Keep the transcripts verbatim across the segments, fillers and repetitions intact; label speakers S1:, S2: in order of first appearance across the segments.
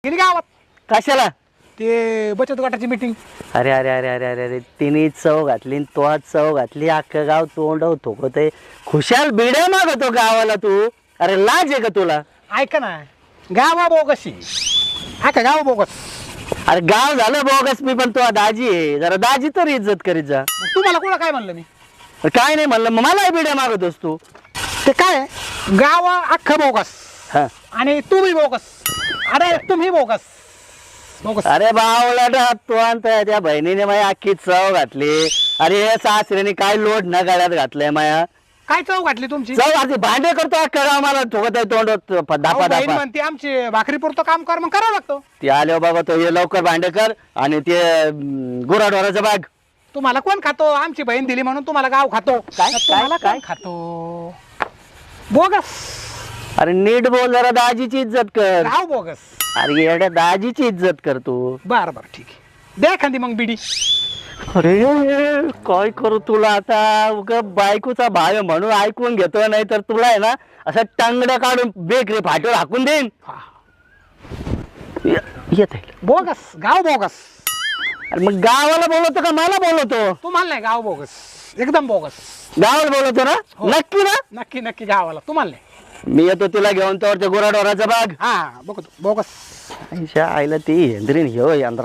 S1: गेली गावात
S2: कशाला
S1: ते बचत गटाची मीटिंग.
S2: अरे अरे अरे अरे अरे अरे तिने चव घातली न तो चव घातली अख्खं गाव तोंड थोकत आहे. खुशाल बिड्या मागतो गावाला तू. अरे लाज आहे का तुला?
S1: ऐका ना गावा बोगशी ऐका गाव बोगस.
S2: अरे गाव झालं बोगस मी पण तो दाजी आहे. जरा दाजी तर इज्जत करीत जा.
S1: तुम्हाला कोणा काय म्हणलं मी?
S2: काय नाही म्हणलं मग मला बिड्या मागतोस तू.
S1: ते काय गाव अख्खं बोगस
S2: हा
S1: आणि तुम्ही बोगस. अरे तुम्ही बोगस बोगस.
S2: अरे बावला तू आणता त्या बहिणीने माझी अख्खी चव घातली. अरे सासऱ्याने काय लोड न गाड्यात घातलंय माया.
S1: काय चव घातली तुमची?
S2: चव घातली भांडे करतो अख्खा गाव मला ठोकत आहे तोंड
S1: अहो,
S2: दापा
S1: बहीण
S2: दापा.
S1: म्हणते आमची भाकरी पुरतं काम कर मग करावं लागतं.
S2: ते आले बाबा तो ये लवकर भांडे कर आणि ते गुराढोराचा बाग.
S1: तुम्हाला कोण खातो? आमची बहीण दिली म्हणून तुम्हाला गाव खातो.
S2: काय?
S1: तुम्हाला
S2: काय?
S1: कोण खातो? बोगस.
S2: अरे नीट बोल जरा दाजीची इज्जत कर.
S1: गाव बोगस.
S2: अरे एवढ्या दाजीची इज्जत कर तू.
S1: बरं बरं ठीक आहे द्या एखादी मग बिडी.
S2: अरे काय करू तुला आता. उगा बायकोचा भाव आहे म्हणून ऐकून घेतो नाही तर तुला आहे ना असं टांगड्या काढून बेकरी फाटीवर हाकून देईन.
S1: हा.
S2: येत आहे
S1: बोगस गाव बोगस.
S2: अरे मग गावाला बोलवतो का मला बोलवतो?
S1: तुम्हाला नाही गाव बोगस एकदम बोगस.
S2: गावाला बोलवतो ना?
S1: हो.
S2: नक्की ना?
S1: नक्की नक्की गावाला तुम्हाला नाही.
S2: मी येतो तिला घेऊन तर ते गुराढोराचा बाग.
S1: हा बघतो बोगस.
S2: आईच्या आईला ती हेंद्रीन ह्यो यंत्रा.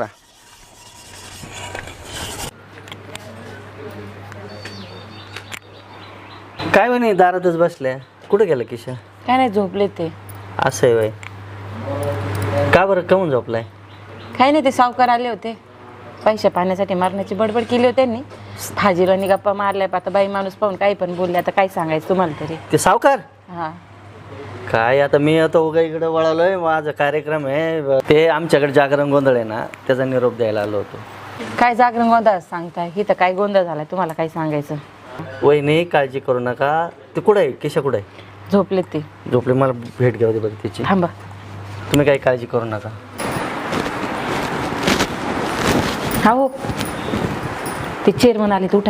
S2: काय म्हणे दारातच बसल्या. कुठे गेलं किशा?
S3: काय नाही झोपले ते.
S2: असं आहे वय. का बरं काहून झोपलाय?
S3: काही नाही ते सावकार आले होते पैसे पाहण्यासाठी मारण्याची बडबड केली होती त्यांनी. हाजीरानी गप्पा मारल्या. आता बाई माणूस पाहून काही पण बोलले. आता काय सांगायचं तुम्हाला तरी.
S2: ते सावकार
S3: हा
S2: काय आता मी आता उगा इकडे वळालोय. माझा कार्यक्रम आहे ते आमच्याकडे जागरण गोंधळ आहे ना त्याचा निरोप द्यायला आलो होतो.
S3: काय जागरण गोंधळ सांगताय? इथं काय गोंधळ झालाय तुम्हाला काय सांगायचं?
S2: वहिनी काळजी करू नका. ते कुठं आहे किशा? कुठं आहे?
S3: झोपले ते.
S2: झोपले. मला भेट घ्यावी बरं तिची.
S3: थांबा.
S2: तुम्ही काही काळजी करू नका.
S3: हा हो ते चेअरमन आले उठा.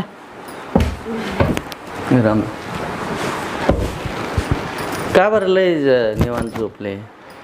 S2: राम का बरं लय निवांत झोपले?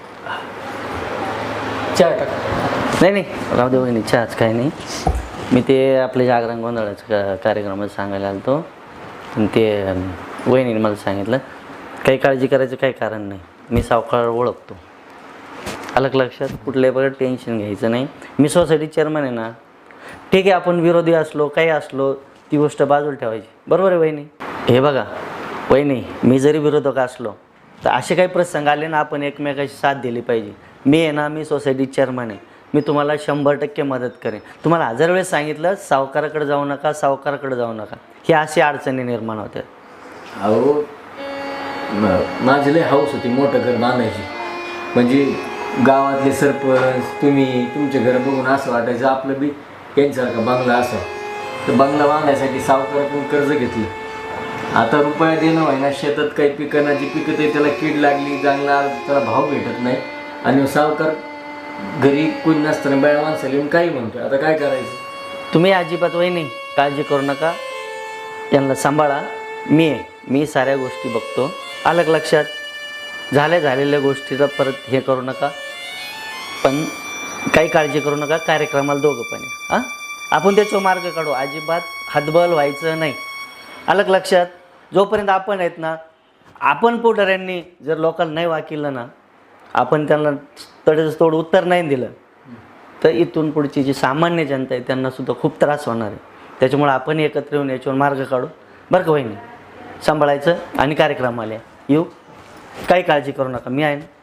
S1: चहा टाक.
S2: नाही नाही राहू दे वहिनी चहाच काही नाही. मी ते आपले जागरण गोंधळाचं का कार्यक्रमात सांगायला आलो होतो पण ते वहिनीने मला सांगितलं काही काळजी करायचं काही कारण नाही. मी सावकार ओळखतो. अलग लक्षात. कुठल्याही बघा टेन्शन घ्यायचं नाही. मी सोसायटी चेअरमन आहे ना. ठीक आहे आपण विरोधी असलो काही असलो ती गोष्ट बाजूला ठेवायची. बरोबर आहे वहिनी? हे बघा वहिनी मी जरी विरोधक असलो तर असे काही प्रसंग आले ना आपण एकमेकाची साथ दिली पाहिजे. मी आहे ना मी सोसायटी चेअरमन आहे. मी तुम्हाला शंभर टक्के मदत करेन. तुम्हाला हजार वेळेस सांगितलं सावकाराकडे जाऊ नका सावकाराकडे जाऊ नका. ही अशी अडचणी निर्माण होत्या.
S4: अहो माझी लय हाऊस होती मोठं घर बांधायची. म्हणजे गावातले सरपंच तुम्ही तुमचे घर बघून असं वाटायचं आपलं बी यांच्यासारखा बंगला असा. तर बंगला बांधायसाठी सावकाराकडून कर्ज घेतलं. आता रुपया देणं व्हायना. शेतात काही पिकांना जी पिकत आहे त्याला कीड लागली चांगला त्याला भाव भेटत नाही. आणि सावकार घरी कोणी नसताना बाया माणसाला येऊन काही म्हणतो. आता काय करायचं?
S2: तुम्ही अजिबात वहिनी काळजी करू नका. यांना सांभाळा. मी आहे. मी साऱ्या गोष्टी बघतो. अलग लक्षात. झाल्या झालेल्या गोष्टीला परत हे करू नका. पण काही काळजी करू नका. कार्यक्रमाला दोघं पण हां आपण त्याच्यावर मार्ग काढू. अजिबात हतबल व्हायचं नाही. अलग लक्षात. जोपर्यंत आपण आहेत ना आपण पुढाऱ्यांनी जर लोकांना नाही वाकिलं ना आपण त्यांना तडेच तोड उत्तर नाही दिलं तर इथून पुढची जी सामान्य जनता आहे त्यांनासुद्धा खूप त्रास होणार आहे. त्याच्यामुळे आपण एकत्र येऊन याच्यावर मार्ग काढू. बरं का वहिनी? सांभाळायचं आणि कार्यक्रमाला येऊ. काही काळजी करू नका. मी आहे ना.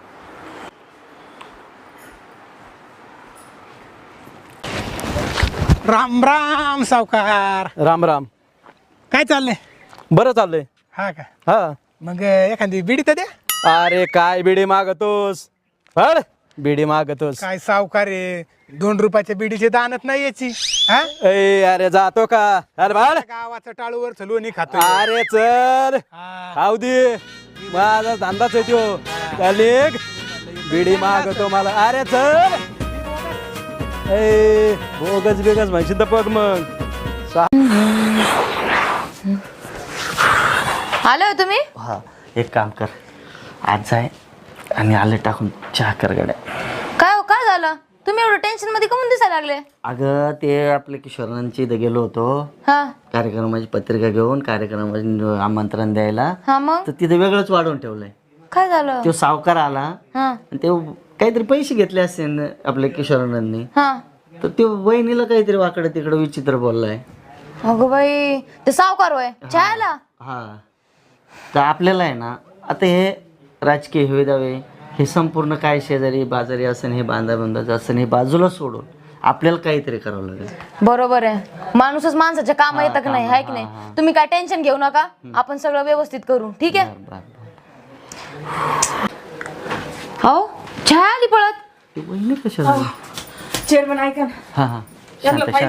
S1: राम राम सावकार.
S5: राम राम.
S1: काय चाललंय?
S5: बरं चाललंय.
S1: हा का?
S5: हा.
S1: मग एखादी बिडी तर द्या.
S5: अरे काय बिडी मागतोस? हड बिडी मागतोस.
S1: काय सावकार आहे दोन रुपयाच्या बिडीची दानत नाही याची. हा
S5: ए अरे जातो का? अरे बाळ
S1: गावाचं टाळूवर चलवणी खातो.
S5: अरे चल खाऊ दे. माझा धंदाच आहे तो. चालेक बिडी मागतो मला. अरे चल. ए बोगस बेगस म्हणशील तर बघ मग.
S3: आलो तुम्ही?
S2: हां एक काम कर आज जाय आणि आले टाकून चहा कर गड्या.
S3: काय
S6: झालं? तुम्ही एवढं टेन्शन मध्ये कमून दिसायला लागले?
S2: अगं ते आपल्या किशोरांची इथं गेलो होतो
S6: हा
S2: कार्यक्रमाची पत्रिका घेऊन कार्यक्रमाचे आमंत्रण द्यायला,
S6: हा मग
S2: तर तिथे वेगळंच वाढवून ठेवलंय.
S6: काय झालं?
S2: तो सावकार आला
S6: हा
S2: आणि ते काहीतरी पैसे घेतले असते आपल्या किशोरांनी,
S6: हा
S2: तर ते वहिनीला काहीतरी वाकडं तिकडं विचित्र बोललाय.
S6: अगं बाई, ते सावकार होय चहाला?
S2: हा, तर आपल्याला आहे ना आता हे राजकीय हे दावे हे संपूर्ण काय शेजारी बाजारी असं हे बांधा बांधाचं असं हे बाजूला सोडून आपल्याला काहीतरी करावं लागेल.
S6: बरोबर आहे, माणूसच माणसाच्या काम येतं का नाही, हाय की नाही? तुम्ही काय टेन्शन घेऊ नका, आपण सगळं व्यवस्थित करू, ठीक आहे?
S2: बरं, बरं.
S6: हो छाया आली पळत.
S2: ते वहिनी कशाला?
S3: चेअरमन ऐका ना,
S2: हा हा शांत शांत